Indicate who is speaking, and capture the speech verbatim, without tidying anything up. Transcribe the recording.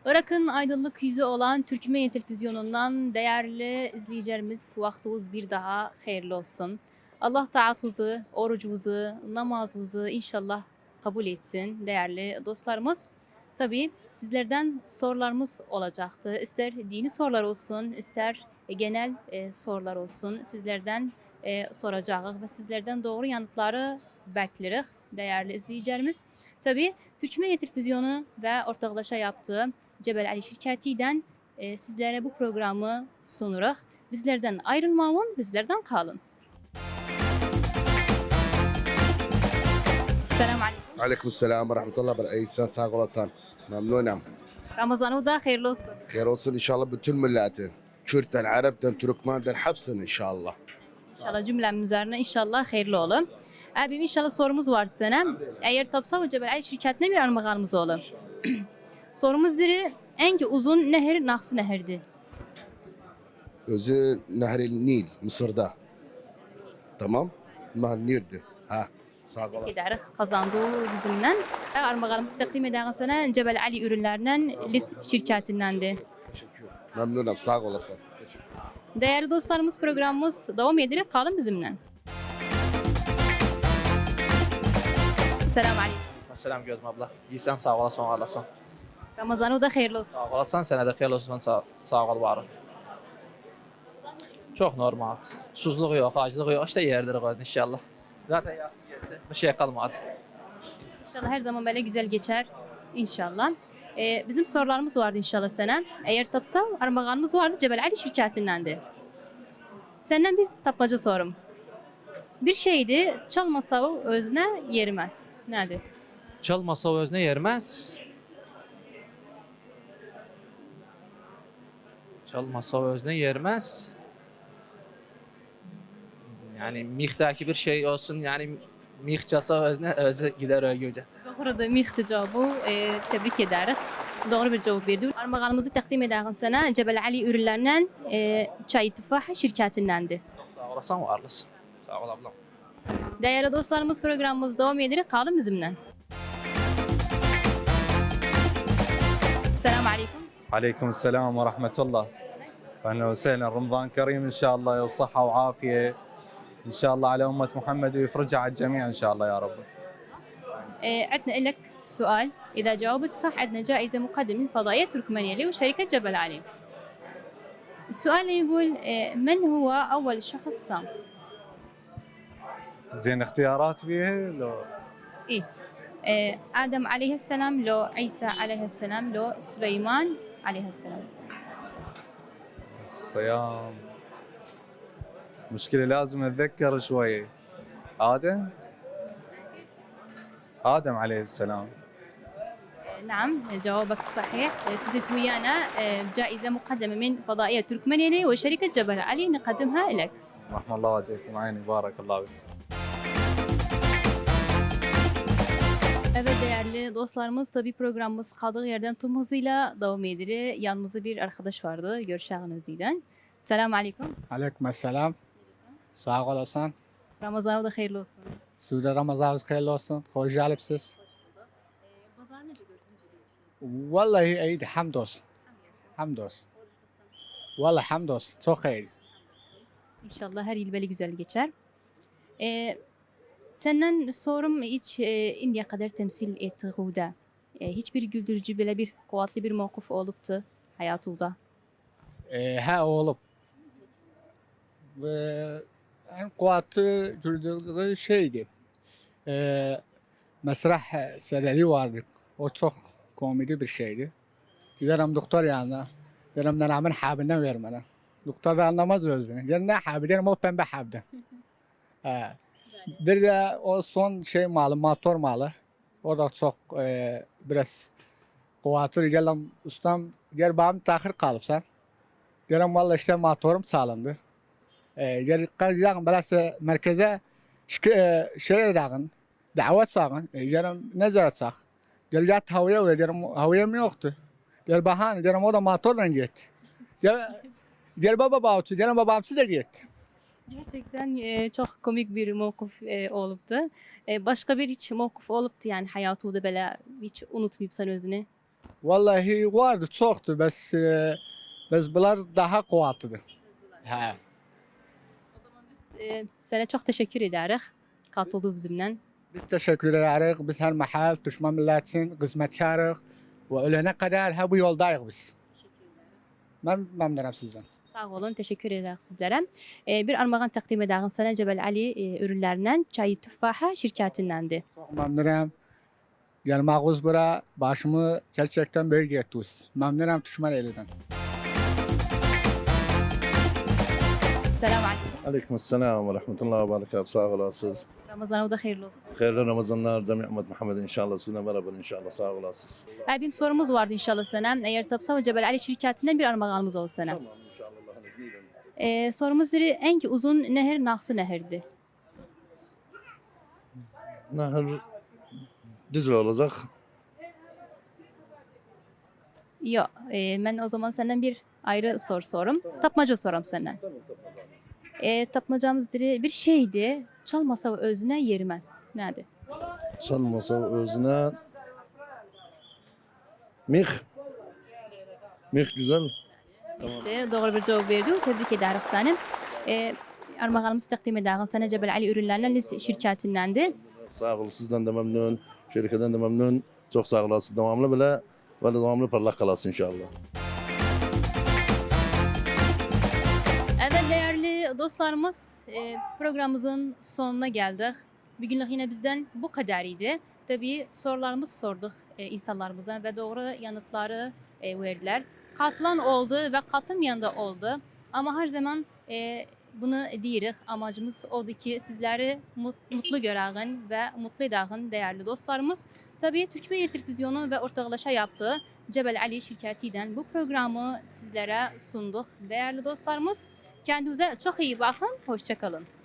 Speaker 1: Irak'ın aydınlık yüzü olan Türkmen Televizyonu'ndan değerli izleyicilerimiz vaktiniz bir daha hayırlı olsun. Allah taatınızı, orucunuzu, namazınızı inşallah kabul etsin değerli dostlarımız. Tabii sizlerden sorularımız olacaktı. İster dini sorular olsun, ister genel e, sorular olsun. Sizlerden e, soracağız ve sizlerden doğru yanıtları bekleriz değerli izleyicilerimiz. Tabii Türkmen Televizyonu ve ortaklaşa yaptığı Cebel Ali şirketiyle e, sizlere bu programı sunuyoruz. Bizlerden ayrılmayın, bizlerden kalın. Selamun aleyküm.
Speaker 2: Aleykümselam ve rahmetullah ve İhsan sağ olasın. Memnunum.
Speaker 1: Ramazan'ı da hayırlı olsun.
Speaker 2: Hayır olsun inşallah bütün milletin. Kürt'ten, Arap'tan, Türkmen'den hepsinin inşallah.
Speaker 1: İnşallah cümlemin üzerine inşallah hayırlı olun. Abim inşallah sorumuz var sana. Eğer tapsa ve Cebel Ali şirketine bir armağanımız olur. Sorumuz diri en ki uzun nehir Naksı Nehir'di.
Speaker 2: Özü Nehri Nil, Mısır'da. Tamam? Ma Nil'di. Ha, sağ olasın.
Speaker 1: Gider kazandığı bizimle. Armağanımızı takdim eden sana Cebel Ali ürünlerinden Lis şirketindendi.
Speaker 2: Memnunum, sağ olasın.
Speaker 1: Değerli dostlarımız programımız devam ederek kalın bizimle. Selamun aleyküm.
Speaker 3: Selam Gözüm abla. İyisən, sağ olasın, var olasın.
Speaker 1: Ramazan'ı da hayırlı olsun.
Speaker 3: Sağ olasın, sənə də xeyirli olsun, sağ, sağ ol, var ol. Çox normal. Susuzluq yox, aclıq yox, işte yerdir qoydun inşallah. Zaten yası geldi, bir şey kalmadı.
Speaker 1: İnşallah her zaman böyle güzel geçer. İnşallah. Ee, bizim sorularımız vardı inşallah sana. Eğer tapsa armağanımız vardı Cebel Ali şirketindendi. Senden bir tapmaca sorum. Bir şeydi çalmasa o özüne yerimez. Nedir?
Speaker 3: Çalmasa o özünə yerməz. Çalmasa o özünə yerməz. Yani mixdəki bir şey olsun, yani mix çalsa özünə özü gider ögücə.
Speaker 1: Doğru da mihti cevabı e, tebrik ederiz. Doğru bir cevap verdi. Armağanımızı takdim ederim sana Cebel Ali ürünlerinden e, çay tufah şirketindendi.
Speaker 3: Sağ olasın, var olasın. Sağ ol ablam.
Speaker 1: Değerli dostlarımız programımız devam ederek kalın bizimle. Selamun aleyküm.
Speaker 4: عليكم السلام ورحمة الله. أهلا وسهلا، رمضان كريم إن شاء الله وصحة وعافية إن شاء الله على أمة محمد ويفرجها على الجميع إن شاء الله يا رب.
Speaker 1: آه، عندنا لك سؤال، إذا جاوبت صح عندنا جائزة مقدمة من فضائية تركمانية وشركة جبل علي. السؤال يقول آه، من هو أول شخص صام؟
Speaker 4: زين اختيارات بيها لو
Speaker 1: إيه آه، آدم عليه السلام لو عيسى عليه السلام لو سليمان عليه السلام.
Speaker 4: الصيام مشكلة لازم أتذكر شوي. آدم آدم عليه السلام.
Speaker 1: آه، نعم جوابك صحيح. آه، فزت ويانا آه، جائزة مقدمة من فضائية تركمانية وشركة جبل علي نقدمها لك.
Speaker 4: رحم الله والديكم عيني، بارك الله فيك.
Speaker 1: Evet değerli dostlarımız tabi programımız kaldığı yerden tüm hızıyla devam ediyor. Yanımızda bir arkadaş vardı Görşah'ın özüyle. Selamun aleyküm.
Speaker 5: Aleyküm selam. Sağ olasın.
Speaker 1: Ramazan'ı da hayırlı olsun.
Speaker 5: Sizde Ramazanınız hayırlı olsun. Hoş geldiniz.
Speaker 1: Pazar ne diyorsunuz?
Speaker 5: Vallahi iyiydi. Hamdolsun. Hamdolsun. Vallahi hamdolsun. Çok iyi.
Speaker 1: İnşallah her yıl böyle güzel geçer. Ee, senden sorum hiç e, indiye kadar temsil ettiğinde e, hiçbir güldürücü böyle bir kuvvetli bir mevkuf olup da hayatında.
Speaker 5: Ee, ha oğlum. Ve en kuvvetli güldürdüğü şeydi. Ee, Mesrah sedeli vardı. O çok komedi bir şeydi. Giderim doktor yanına. Derim nenemin habinden ver bana. Doktor da anlamaz özünü. Derim ne habi? Derim o pembe habdi. Ha. Bir de o son şey malı, motor malı. O da çok e, biraz kuvvetli. Geldim ustam, gel bana tahir kalıp sen. Derim valla işte motorum sağlandı. E, gel kalacağım belası merkeze şike, e, şey edağın, davet sağın. E, derim ne zaman sağ? Gel yat havaya ve derim havaya yoktu. Gel bahane, derim o da motordan gitti. Gel, gel baba bağıtı, derim babamsı da gitti.
Speaker 1: Gerçekten e, çok komik bir mevkuf e, oluptu. E, başka bir hiç mevkuf oluptu yani hayatında böyle hiç unutmayıp sen özünü.
Speaker 5: Vallahi vardı, çoktu. Bes, e, bes bunlar daha kuvvetlidir. Ha.
Speaker 1: E, sana çok teşekkür ederiz. Katıldığı bizimle.
Speaker 5: Biz teşekkür ederiz. Biz her mahal Türkmen milletin hizmetçiyiz. Ve ölene kadar ha bu yoldayız biz. Ben memnunum sizden.
Speaker 1: Sağ olun, teşekkür ederiz sizlere. E, bir armağan takdim ederiz sana Cebel Ali e, ürünlerinden Çayı Tüffaha şirketindendi.
Speaker 5: Çok memnunum. Gelmağız bura başımı gerçekten büyük ettiniz. Memnunum Türkmen elinden.
Speaker 1: Selamun aleyküm.
Speaker 6: عليكم السلام ورحمة الله وبركاته sağ olasınız.
Speaker 1: Ramazanı da hayırlı olsun.
Speaker 6: Hayırlı Ramazanlar cemi ümmet Muhammed inşallah sizinle beraber inşallah sağ olasınız.
Speaker 1: E, bir sorumuz vardı inşallah sana. Eğer tapsa Cebel Ali şirketinden bir armağanımız olsun sana.
Speaker 6: Tamam inşallah Allah'ın izniyle.
Speaker 1: E, sorumuz diri en ki uzun nehir Naksı Nehir'di.
Speaker 6: Nehir Dicle olacak.
Speaker 1: Yok, e, ben o zaman senden bir ayrı soru sorum. Tapmaca soram senden. E, tapmacamız diri bir şeydi. Çalmasa özüne yerimez. Nerede?
Speaker 6: Çalmasa özüne Mih. Mih güzel.
Speaker 1: De, doğru bir cevap verdi. Tebrik ederiz seni. E, armağanımızı takdim ederiz sana Cebel Ali ürünlerinden list şirketindendi.
Speaker 6: Sağ olun sizden de memnun. Şirketten de memnun. Çok sağ olasınız. Devamlı bile ve devamlı parlak kalasın inşallah.
Speaker 1: Evet değerli dostlarımız e, programımızın sonuna geldik. Bugünlük yine bizden bu kadarıydı. Tabii sorularımızı sorduk e, insanlarımıza ve doğru yanıtları e, verdiler. Katılan oldu ve katılmayan da oldu. Ama her zaman e, bunu diyoruz. Amacımız oldu ki sizleri mut- mutlu görelim ve mutlu edelim değerli dostlarımız. Tabii Türkmen Televizyonu ve ortaklaşa yaptığı Cebel Ali şirketinden bu programı sizlere sunduk değerli dostlarımız. Kendinize çok iyi bakın. Hoşça kalın.